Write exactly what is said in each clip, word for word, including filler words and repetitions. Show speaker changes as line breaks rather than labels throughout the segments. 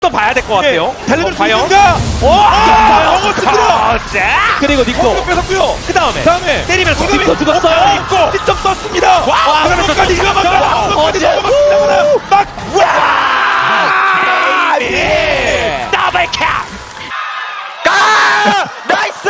또 봐야 될 것 같아요.
달려들
어, 과연?
누군가?
오!
아, 영어 들어.
그리고 닉도
또 뺏었고요.
그 다음에
다음에
때리면서
공격이
닉도 죽었어요.
있고 직접 썼습니다.
와,
그러면까지 이거 막
어,
까지 막 와!
예! 더블 캡!
아! 나이스!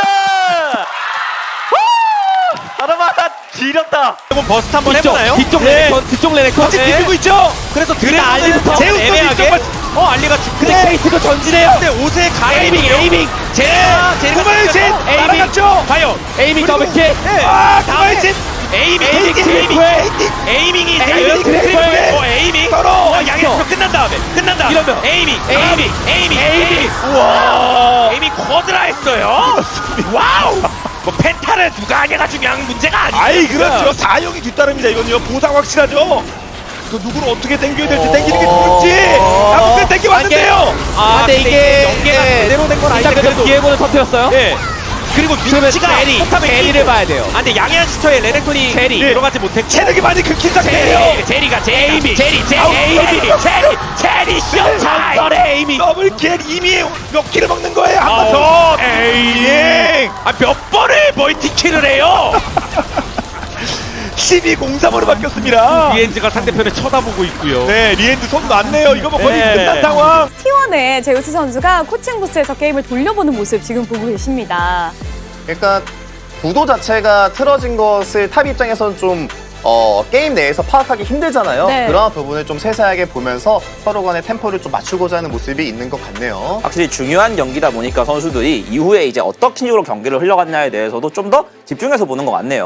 하나마다 지렸다.
한번 버스트 한번
뒤쪽,
해보나요?
뒤쪽
네.
레넥톤, 뒤쪽 레넥톤
아직
네.
비비고 있죠? 그래서 드래곤은
제우스도
애매하게
뒤쪽
어 알리가 죽
근데 케이트도 전진해요.
근데 옷에
에이밍,
가에이밍
에이밍.
제가 제가
구마유진
에이밍
날아갔죠?
과연
에이밍
그리고-
더블킥.
네.
아,
다음에
구마유진.
에이밍
에이밍,
에이밍
트리플.
에이밍이
에이밍, 트리플.
트리플. 어 에이밍
서로.
어 양에서 끝난 다음에 끝난 다음에
이러면
에이밍
에이밍,
에이밍 에이밍
에이밍.
에이밍 우와 에이밍 쿼드라 했어요 와우 뭐 펜타를 누가 하냐가 중요한 문제가 아니에요
아이 그렇죠. 사용이 뒤따릅니다. 이건요. 보상 확실하죠. 그 누구를 어떻게 당겨야 될지 당기는 게 누굴지 아무튼 당겨봤는데요.
아
근데 이게
연계가
예,
제대로 된 건 아닌데
일단 그래도
그래도
비에고는 터뜨렸어요.
예. 그리고 위치가
제리,
포탑에
제리를
끼고.
봐야 돼요.
아 근데 양해한 시터에 레넥톤이
제리.
들어가지 못했고
체력이 많이 긁힌 상태예요.
제리, 제리가 제리, 제리, 제리,
아우,
제리, 제리, 제리, 쇼타임! 전설의 에이밍!
더블킬 이미 몇 킬을 먹는 거예요. 한 번
아우,
더.
에이밍! 아, 몇 번을 멀티킬을 해요?
십이 공삼으로 바뀌었습니다.
리엔즈가 상대편을 쳐다보고 있고요.
네, 리엔드 손 놨네요. 이거 뭐 거의
네.
끝난 상황.
티원의 제우스 선수가 코칭 부스에서 게임을 돌려보는 모습 지금 보고 계십니다.
그러니까 구도 자체가 틀어진 것을 탑 입장에서는 좀 어, 게임 내에서 파악하기 힘들잖아요.
네.
그런 부분을 좀 세세하게 보면서 서로 간의 템포를 좀 맞추고자 하는 모습이 있는 것 같네요.
확실히 중요한 경기다 보니까 선수들이 이후에 이제 어떤 식으로 경기를 흘러갔냐에 대해서도 좀 더 집중해서 보는 것 같네요.